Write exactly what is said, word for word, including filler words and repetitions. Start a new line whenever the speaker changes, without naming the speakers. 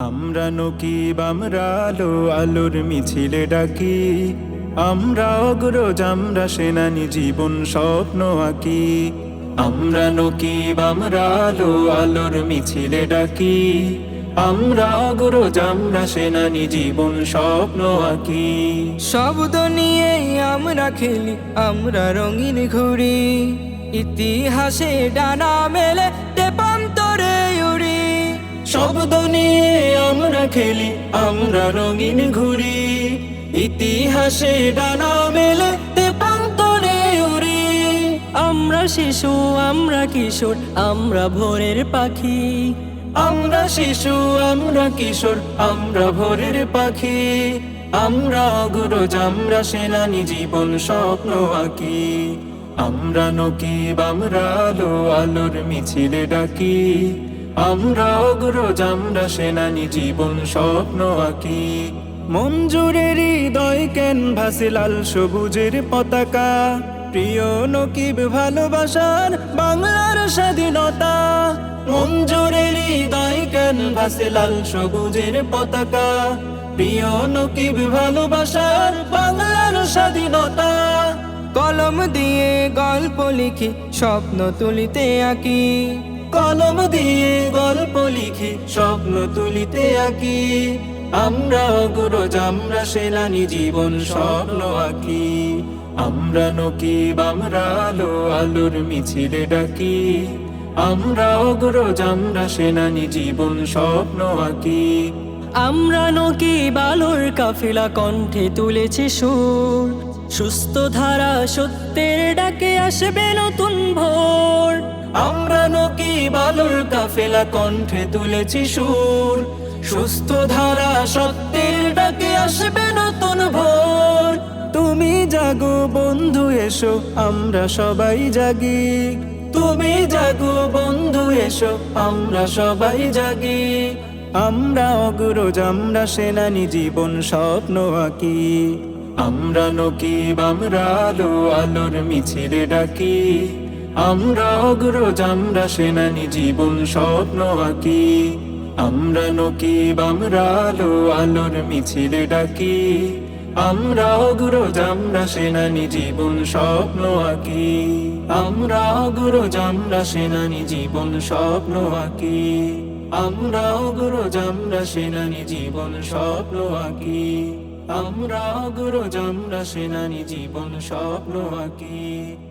আমরা নকিব আমরা আলো আলোর মিছিলে ডাকি, আমরা অগ্রজ আমরা সেনানি জীবন স্বপ্ন আঁকি। আমরা নকিব আমরা আলো আলোর মিছিলে ডাকি, আমরা অগ্রজ আমরা সেনানি জীবন স্বপ্ন আঁকি।
শব্দ নিয়ে আমরা খেলি, আমরা রঙিন ঘুরি, ইতিহাসে ডানা মেলে তেপান্তরে উড়ি।
শব্দ নিয়ে আমরা খেলি, আমরা রঙিন ঘুরি, ইতিহাসে ডানা মেলে তেপান্তরে উড়ি।
আমরা শিশু আমরা কিশোর আমরা ভোরের পাখি,
আমরা শিশু আমরা কিশোর আমরা ভোরের পাখি। আমরা অগ্রজ আমরা সেনানি জীবন স্বপ্ন আঁকি। আমরা নকিব আমরা আলো আলোর মিছিলে ডাকি, আমরা অগ্রজ আমরা সেনানি জীবন স্বপ্ন আঁকি। মঞ্জুরের হৃদয় ক্যানভাসে লাল সবুজের পতাকা, প্রিয় নকিব ভালোবাসার বাংলার স্বাধীনতা। মঞ্জুরের হৃদয় ক্যানভাসে লাল সবুজের পতাকা, প্রিয় নকিব ভালোবাসার বাংলার স্বাধীনতা।
কলম দিয়ে গল্প লিখি স্বপ্ন তুলিতে আঁকি,
কলম দিয়ে গল্প লিখি স্বপ্ন তুলিতে আঁকি। আমরা অগ্রজ আমরা সেনানি জীবন স্বপ্ন আঁকি। আমরা নকিব আমরা আলো আলোর মিছিলে ডাকি, আমরা অগ্রজ আমরা সেনানি জীবন স্বপ্ন আঁকি।
আমরা নকিব আলোর কাফেলা কণ্ঠে তুলেছি সুর, সুস্থ ধারা সত্যের ডাকে আসবে নতুন ভোর।
আমরা নকিব আলোর কাফেলা কণ্ঠে তুলেছি সুর, সুস্থ ধারা সত্যের ডাকে আসবে নতুন ভোর। তুমি জাগো বন্ধু এসো আমরা সবাই জাগি, তুমি জাগো বন্ধু এসো আমরা সবাই জাগি। আমরা অগ্রজ আমরা সেনানি জীবন স্বপ্ন আঁকি। আমরা নকিব আমরা আলো আলোর মিছিলে ডাকি, আমরা অগ্রজ আমরা সেনানি জীবন স্বপ্ন আঁকি। আমরা নকিব আমরা আলো আলোর মিছিলে ডাকি, আমরা অগ্রজ আমরা সেনানি জীবন স্বপ্ন আঁকি। আমরা অগ্রজ আমরা সেনানি জীবন স্বপ্ন আঁকি। আমরা অগ্রজ আমরা সেনানি জীবন স্বপ্ন আঁকি। আমরা অগ্রজ আমরা সেনানি জীবন স্বপ্ন আঁকি।